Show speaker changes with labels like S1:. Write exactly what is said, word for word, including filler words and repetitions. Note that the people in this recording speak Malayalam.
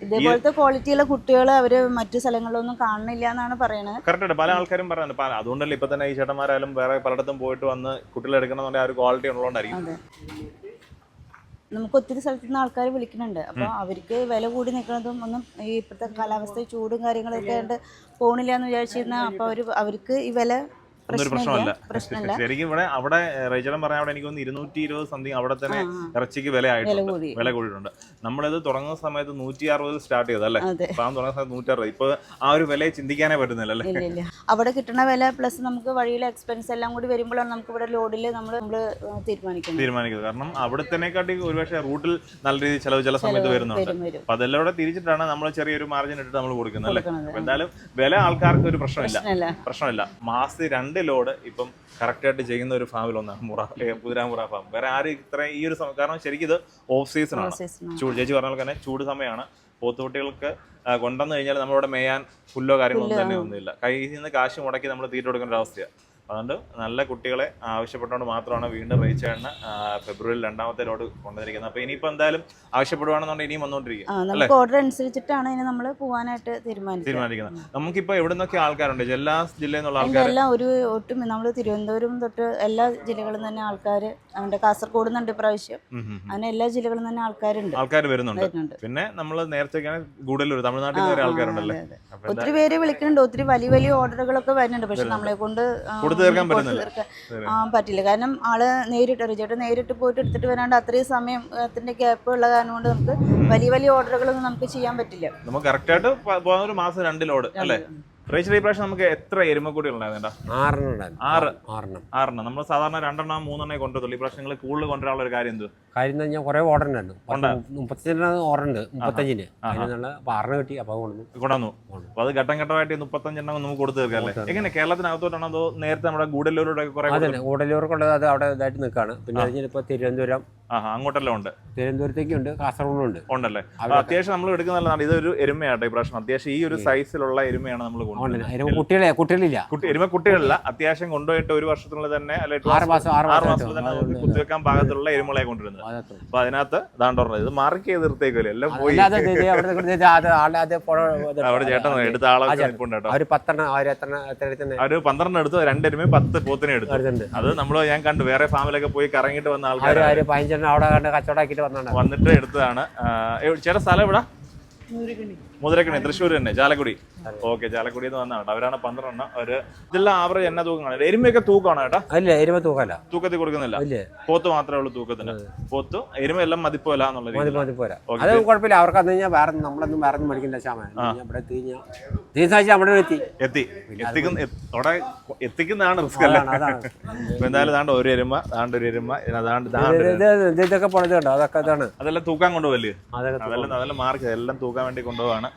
S1: ഇതേപോലത്തെ ക്വാളിറ്റിയുള്ള കുട്ടികൾ അവര് മറ്റു സ്ഥലങ്ങളിലൊന്നും കാണുന്നില്ല എന്നാണ് പറയുന്നത്.
S2: കറക്റ്റ് പല ആൾക്കാരും പറയുന്നത്. അതുകൊണ്ടല്ലേ ഇപ്പൊ തന്നെ ഈ ചേട്ടന്മാരായാലും വേറെ പലയിടത്തും പോയിട്ട് വന്ന് കുട്ടികളെ എടുക്കണമെന്നുണ്ടെങ്കിൽ ആ ഒരു ക്വാളിറ്റി ഉള്ളതുകൊണ്ടായിരിക്കും.
S1: നമുക്ക് ഒത്തിരി സ്ഥലത്തു നിന്ന് ആൾക്കാർ വിളിക്കുന്നുണ്ട്. അപ്പോൾ അവർക്ക് വില കൂടി നിൽക്കുന്നതും ഒന്നും ഈ ഇപ്പോഴത്തെ കാലാവസ്ഥ ചൂടും കാര്യങ്ങളൊക്കെ ആയിട്ട് പോണില്ല എന്ന് വിചാരിച്ചിരുന്ന അപ്പോൾ അവർ അവർക്ക് ഈ വില
S2: പ്രശ്നമല്ല. ശരിക്കും ഇവിടെ അവിടെ റേച്ചലം പറഞ്ഞ അവിടെ എനിക്ക് ഇരുന്നൂറ്റി ഇരുപത് സംതിങ് അവിടെ തന്നെ ഇറച്ചിക്ക് വില ആയിട്ടുണ്ട്, വില കൂടിയിട്ടുണ്ട്. നമ്മളിത് തുടങ്ങുന്ന സമയത്ത് നൂറ്റി അറുപത് സ്റ്റാർട്ട് ചെയ്തല്ലേ, പാം തുടങ്ങുന്ന സമയത്ത് നൂറ്റി അറുപത്. ഇപ്പൊ ആ ഒരു വില ചിന്തിക്കാനേ പറ്റുന്നില്ല അല്ലേ.
S1: അവിടെ കിട്ടുന്ന വില പ്ലസ് നമുക്ക് വഴിയിലെ എക്സ്പെൻസ് എല്ലാം കൂടി വരുമ്പോഴാണ് നമുക്ക് ഇവിടെ ലോഡിൽ നമ്മൾ നമ്മള് തീരുമാനിക്കുന്നത് തീരുമാനിക്കുന്നത്
S2: കാരണം അവിടത്തേക്കാട്ടി ഒരുപക്ഷെ റൂട്ടിൽ നല്ല രീതിയിൽ ചിലവ് ചില സമയത്ത് വരുന്നുണ്ട്. അപ്പൊ അതെല്ലാം കൂടെ തിരിച്ചിട്ടാണ് നമ്മൾ ചെറിയൊരു മാർജിൻ ഇട്ടിട്ട് നമ്മൾ കൊടുക്കുന്നത് അല്ലേ. അപ്പൊ എന്തായാലും വില ആൾക്കാർക്ക് ഒരു പ്രശ്നമില്ല പ്രശ്നമില്ല മാസത്തിൽ രണ്ട് ലോഡ് ഇപ്പം കറക്റ്റായിട്ട് ചെയ്യുന്ന ഒരു ഫാമിൽ ഒന്നാണ് മുറ കുതിരാമുറ ഫാം. വേറെ ആരും ഇത്ര ഈ ഒരു സമയം, കാരണം ശരിക്കും ഇത് ഓഫ് സീസൺ ആണ്. ചൂട് ചേച്ചി പറഞ്ഞ പോലെ തന്നെ ചൂട് സമയമാണ്. പോത്തുകുട്ടികൾക്ക് കൊണ്ടുവന്നു കഴിഞ്ഞാൽ നമ്മളിവിടെ മേയാൻ പുല്ലോ കാര്യങ്ങളൊന്നും തന്നെ ഒന്നുമില്ല. കയ്യിൽ നിന്ന് കാശ് മുടക്കി നമ്മൾ തീറ്റ കൊടുക്കേണ്ട ഒരു അവസ്ഥയാണ്. അതുകൊണ്ട് നല്ല കുട്ടികളെ ആവശ്യപ്പെട്ടുകൊണ്ട് മാത്രമാണ് വീണ്ടും റേച്ചേട്ടന് ഫെബ്രുവരി രണ്ടാമത്തെ ലോഡ് കൊണ്ടുവന്നിരിക്കുന്നത്. അപ്പൊ ഇനിയിപ്പോ എന്തായാലും ആവശ്യപ്പെടുവാണെന്നുണ്ടെങ്കിൽ ഇനിയും വന്നുകൊണ്ടിരിക്കും.
S1: ഓർഡർ അനുസരിച്ചിട്ടാണ് ഇനി നമ്മൾ പോകാനായിട്ട് തീരുമാനിക്കുന്നത്.
S2: നമുക്കിപ്പോ എവിടെ നിന്നൊക്കെ ആൾക്കാരുണ്ട്? എല്ലാ ജില്ലയിൽ നിന്നുള്ള ആൾക്കാർ
S1: എല്ലാം ഒരു ഒട്ടും നമ്മൾ തിരുവനന്തപുരം തൊട്ട് എല്ലാ ജില്ലകളിൽ തന്നെ ആൾക്കാർ, അവന്റെ കാസർഗോഡ് നിന്നുണ്ട് ഇപ്രാവശ്യം. അങ്ങനെ എല്ലാ ജില്ലകളിൽ തന്നെ ആൾക്കാരുണ്ട്
S2: ആൾക്കാർ വരുന്നുണ്ട്. പിന്നെ നമ്മൾ നേരത്തെ ഗൂഡല്ലൂർ തമിഴ്നാട്ടിൽ നിന്ന് ആൾക്കാരുണ്ടല്ലേ.
S1: ഒത്തിരി പേര് വിളിക്കുന്നുണ്ട്. ഒത്തിരി വലിയ വലിയ ഓർഡറുകളൊക്കെ വരുന്നുണ്ട്. പക്ഷെ നമ്മളെ കൊണ്ട് പറ്റില്ല. കാരണം ആള് നേരിട്ട് റിജേട്ട് നേരിട്ട് പോയിട്ട് എടുത്തിട്ട് വരാണ്ട് അത്രയും സമയം അതിന്റെ ഗ്യാപ്പ് ഉള്ള കാരണം കൊണ്ട് നമുക്ക് വലിയ വലിയ ഓർഡറുകളൊന്നും നമുക്ക് ചെയ്യാൻ പറ്റില്ല.
S2: നമുക്ക് കറക്റ്റ് ആയിട്ട് പോകുന്ന ഒരു മാസം രണ്ട് ലോഡ് അല്ലേ. റേച്ചൽ ഈ പ്രാവശ്യം നമുക്ക് എത്ര എരുമക്കൂടി ഉണ്ടായിരുന്നേട്ടാ? ആറ് ആറെണ്ണം. നമ്മൾ സാധാരണ രണ്ടെണ്ണം മൂന്നെണ്ണേ കൊണ്ടുവരുള്ളൂ. ഈ പ്രാവശ്യം നിങ്ങൾ കൂടുതൽ കൊണ്ടുവരാനുള്ള ഒരു കാര്യം എന്ത്?
S3: കാര്യം ഞാൻ കുറെ ഓർഡർ ഉണ്ടായിരുന്നു. മുപ്പത്തഞ്ചിന് ഓർഡർ ഉണ്ട്. മുപ്പത്തഞ്ചിന് ആറിന് കിട്ടി. അപ്പൊ
S2: കൊണ്ടുവന്നു. അപ്പൊ അത് ഘട്ടം ഘട്ടമായിട്ട് മുപ്പത്തഞ്ചെണ്ണം നമുക്ക് കൊടുത്തു തീർക്കാം അല്ലേ. എങ്ങനെ കേരളത്തിനകത്തോട്ടാണോ അതോ നേരത്തെ നമ്മുടെ ഗൂഡല്ലൂരോടെ കുറെ?
S3: ഗൂഡല്ലൂർക്കുള്ളത് അത് അവിടെ ഇതായിട്ട് നിൽക്കാണ്. പിന്നെ ഇപ്പൊ തിരുവനന്തപുരം
S2: അങ്ങോട്ടെല്ലാം ഉണ്ട്.
S3: തിരുവനന്തപുരത്തേക്കുണ്ട്, കാസർഗോഡും ഉണ്ട്.
S2: ഉണ്ടല്ലേ. അത്യാവശ്യം നമ്മൾ എടുക്കുന്നതാണ്. ഇതൊരു എരുമയാട്ടോ ഈ പ്രാവശ്യം. അത്യാവശ്യം ഈ ഒരു സൈസിലുള്ള എരുമയാണ് നമ്മൾ
S3: കുട്ടികളെ കുട്ടികളില്ല
S2: എരുമ കുട്ടികളില്ല. അത്യാവശ്യം കൊണ്ടുപോയിട്ട് ഒരു വർഷത്തിനുള്ളിൽ തന്നെ ആറ് മാസത്തിൽ തന്നെ കുത്തിവെക്കാൻ പാകത്തിലുള്ള എരുമകളെ കൊണ്ടുവരുന്നത്. അപ്പൊ അതിനകത്ത് ഇതാണ്ട് പറഞ്ഞത് ഇത് മാർക്ക് ചെയ്ത് നിർത്തേക്കല്ലേ എല്ലാം പോയി. അവിടെ ചേട്ടൻ എടുത്ത ആളൊക്കെ ഒരു പന്ത്രണ്ട് എടുത്തു, രണ്ടെരുമ പത്ത് പോത്തിനെ എടുത്തു. അത് നമ്മള് ഞാൻ കണ്ടു വേറെ ഫാമിലൊക്കെ പോയി കറങ്ങിയിട്ട് വന്ന ആൾക്കാർ
S3: അവിടെ കച്ചവടാക്കിട്ട്
S2: വന്നിട്ട് എടുത്തതാണ്. ചേട്ടാ സ്ഥലം എവിടെ? മുതിരക്കണി, തൃശ്ശൂർ തന്നെ, ചാലക്കുടി. ഓക്കെ, ചാലക്കുടി എന്ന് വന്നാണ്. അവരാണ് പന്ത്രണ്ടെണ്ണം. ഒരു ഇതെല്ലാം ആവറേജ് എന്നാ തൂക്കമാണ്? എരുമയൊക്കെ തൂക്കമാണ് കേട്ടാ?
S3: അല്ല, എരുമ തൂക്കല്ല, തൂക്കത്തിൽ
S2: കൊടുക്കുന്നില്ല. പോത്ത് മാത്രമേ ഉള്ളൂ തൂക്കത്തിന്. പോത്ത് എരുമ എല്ലാം മതിപ്പോല എന്നുള്ള
S3: അത് കുഴപ്പമില്ല. അവർക്ക് അത് കഴിഞ്ഞാൽ വേറെ നമ്മളൊന്നും വേറെ ഒന്നും മേടിക്കേണ്ട സാമാൻ ഇവിടെ തീർച്ചയായിട്ടും അവിടെ എത്തി
S2: എത്തി എത്തിക്കുന്ന അവിടെ എത്തിക്കുന്നതാണ് റിസ്ക് അല്ല. എന്തായാലും താണ്ട് ഒരു എരുമ, താണ്ട് ഒരു എരുമ,
S3: ഇതൊക്കെ പൊളിച്ചുണ്ടോ? അതൊക്കെ ഇതാണ്.
S2: അതെല്ലാം തൂക്കാൻ കൊണ്ടുപോകല്ലേ? അതെല്ലാം അതെല്ലാം മാർക്ക് എല്ലാം തൂക്കാൻ വേണ്ടി കൊണ്ടുപോവാണ്.